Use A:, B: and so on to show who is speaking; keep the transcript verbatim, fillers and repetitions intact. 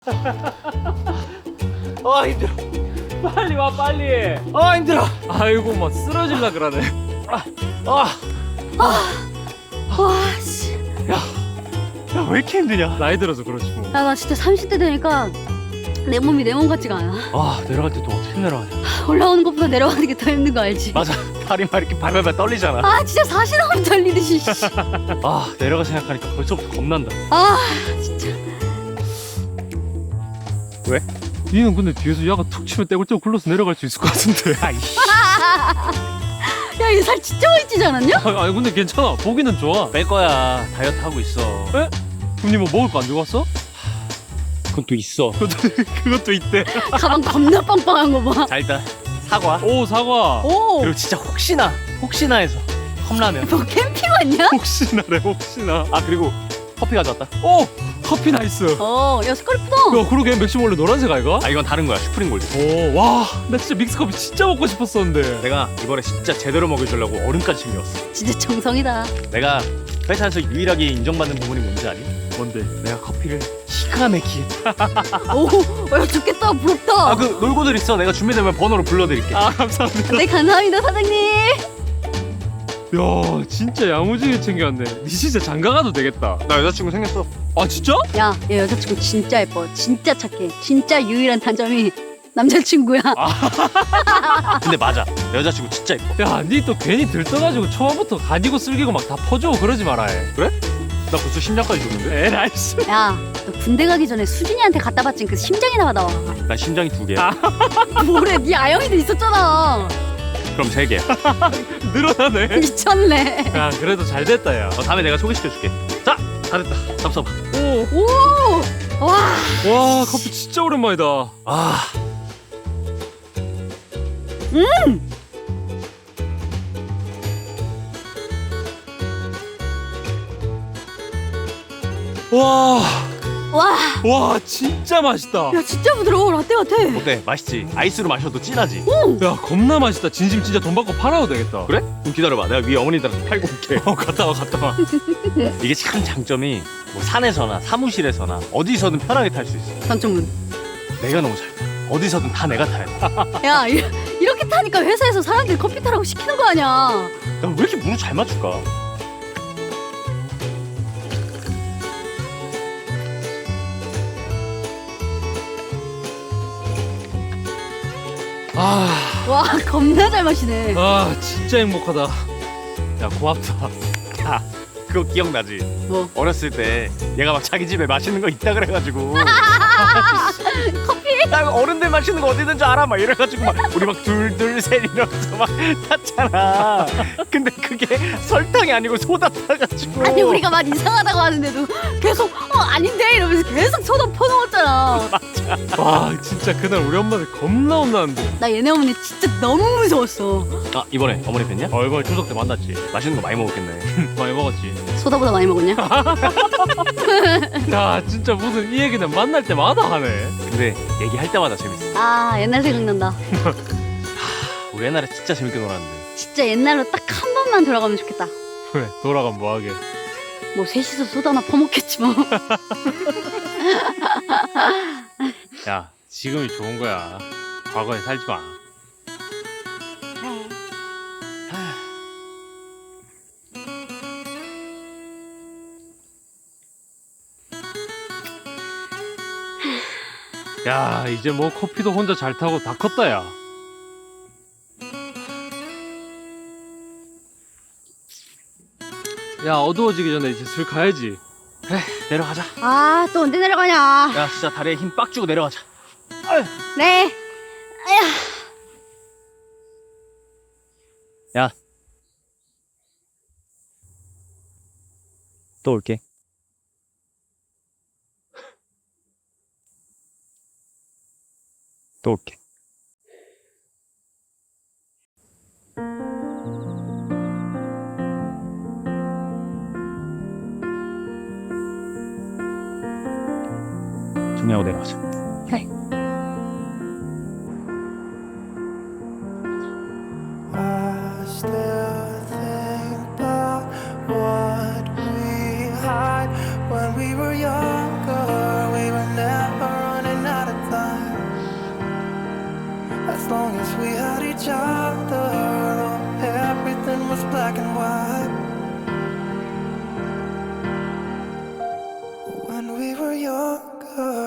A: 아 힘들어.
B: 빨리 와 빨리.
A: 아 힘들어.
B: 아이고 뭐 쓰러질라 그러네.
A: 아, 아,
C: 와, 씨.
A: 야, 야 왜 이렇게 힘드냐?
B: 나이 들어서 그렇지 뭐.
C: 야, 나 진짜 삼십 대 되니까 내 몸이 내 몸 같지가 않아.
A: 아 내려갈 때 또 어떻게 내려가냐?
C: 올라오는 것보다 내려가는 게 더 힘든 거 알지?
A: 맞아. 다리 막 이렇게 발발발 떨리잖아.
C: 아, 진짜 사시나무 떨리듯이. 씨.
A: 아 내려가 생각하니까 벌써부터 겁난다.
C: 아, 진짜.
A: 왜?
B: 니는 근데 뒤에서 야가 툭 치면 떼굴떼굴 굴러서 내려갈 수 있을 것 같은데.
A: 아이씨.
C: 야, 이 살 진짜 많이 찌지 않았냐?
B: 아, 아니 근데 괜찮아. 보기는 좋아.
A: 뺄 거야. 다이어트 하고 있어.
B: 에? 그럼 니 뭐 먹을 거 안 들고 왔어?
A: 그건 또 있어.
B: 그것도 있대.
C: 가방 겁나 빵빵한 거 봐.
A: 자 일단 사과.
B: 오 사과.
C: 오,
A: 그리고 진짜 혹시나 혹시나 해서 컵라면.
C: 너 캠핑 왔냐?
B: 혹시나래 혹시나.
A: 아 그리고 커피 가져왔다.
B: 오 커피 나이스.
C: 어, 야, 색깔 이쁘다.
B: 야 그러게 맥심 원래 노란색 아이가?
A: 아 이건 다른 거야. 슈프림 골드.
B: 오 와 나 진짜 믹스 커피 진짜 먹고 싶었었는데.
A: 내가 이번에 진짜 제대로 먹여주려고 얼음까지 챙겨왔어.
C: 진짜 정성이다.
A: 내가 회사에서 유일하게 인정받는 부분이 뭔지 아니?
B: 뭔데?
A: 내가 커피를 기가 막히게.
C: 오, 야, 좋겠다. 부럽다.
A: 아 그 놀고들 있어. 내가 준비되면 번호로 불러드릴게.
B: 아 감사합니다.
C: 네, 감사합니다, 사장님.
B: 야 진짜 야무지게 챙겨왔네. 니 진짜 장가 가도 되겠다.
A: 나 여자친구 생겼어.
B: 아 진짜?
C: 야, 얘 여자친구 진짜 예뻐. 진짜 착해. 진짜 유일한 단점이 남자친구야.
A: 근데 맞아. 내 여자친구 진짜 예뻐.
B: 야 니 또 괜히 들떠가지고 초반부터 가지고 쓸기고 막 다 퍼주고 그러지 마라 해.
A: 나 벌써 심장까지 줬는데?
B: 에라이씨.
C: 야, 너 군대 가기 전에 수진이한테 갖다 바친 그 심장이나 받아와.
A: 난 심장이 두 개야.
C: 뭐래, 네 아영이도 있었잖아.
A: 그럼 세 개야.
B: 늘어나네.
C: 미쳤네.
B: 야 그래도 잘 됐다 야.
A: 어, 다음에 내가 소개시켜줄게. 자, 다 됐다. 잡숴봐.
B: 오.
C: 오, 와,
B: 와 커피 진짜 오랜만이다.
A: 아,
B: 와.
C: 와,
B: 와 진짜 맛있다.
C: 야, 진짜 부드러워. 라떼 같아.
A: 어때? 맛있지? 아이스로 마셔도 진하지?
B: 야 겁나 맛있다. 진심 진짜 돈 받고 팔아도 되겠다.
A: 그래? 그럼 기다려봐. 내가 위에 어머니들한테 팔고 올게.
B: 어 갔다 와 갔다 와.
A: 이게 참 장점이 뭐 산에서나 사무실에서나 어디서든 편하게 탈 수 있어.
C: 단점은?
A: 내가 너무 잘 타. 어디서든 다 내가 타야 돼.
C: 야, 이, 이렇게 타니까 회사에서 사람들이 커피 타라고 시키는 거 아니야.
A: 나 왜 이렇게 문을 잘 맞출까?
B: 아,
C: 와, 겁나 잘 마시네.
B: 아 진짜 행복하다. 야 고맙다.
A: 야, 그거 기억나지?
C: 뭐?
A: 어렸을 때 얘가 막 자기 집에 맛있는 거 있다 그래가지고
C: 커피?
A: 나 어른들 마시는 거 어디 있는 줄 알아? 막 이래가지고 막 우리 막 둘둘셋 이러면서 막 탔잖아. 근데 그게 설탕이 아니고 소다 타가지고.
C: 아니, 우리가 막 이상하다고 하는데도 계속 어, 아닌데 이러면서 계속 소다 퍼놓았잖아.
B: 와 진짜 그날 우리 엄마들 겁나 혼나는데.
C: 나 얘네 어머니 진짜 너무 무서웠어.
A: 아 이번에 어머니 뵀냐?
B: 어 이번에 추석 때 만났지.
A: 맛있는 거 많이 먹었겠네.
B: 많이 먹었지.
C: 소다보다 많이 먹었냐?
B: 야 진짜 무슨 이 얘기는 만날 때마다 하네.
A: 근데 얘기할 때마다 재밌어.
C: 아, 옛날 생각난다.
A: 우리 옛날에 진짜 재밌게 놀았는데.
C: 진짜 옛날로 딱 한 번만 돌아가면 좋겠다.
B: 왜 돌아가면 뭐하게.
C: 뭐 셋이서 소다나 퍼먹겠지 뭐.
B: 야 지금이 좋은 거야. 과거에 살지 마. 야 이제 뭐 커피도 혼자 잘 타고 다 컸다 야. 야 어두워지기 전에 이제 슬 가야지.
A: 그래 내려가자.
C: 아, 또 언제 내려가냐?
A: 야 진짜 다리에 힘 빡 주고 내려가자. 아유.
C: 네. 아야.
A: 야. 또 올게. 또 올게. 정리하고 내려가자.
C: 그래.
D: I still think about what we had when we were younger. We were never long as we had each other. Oh, everything was black and white. When we were younger.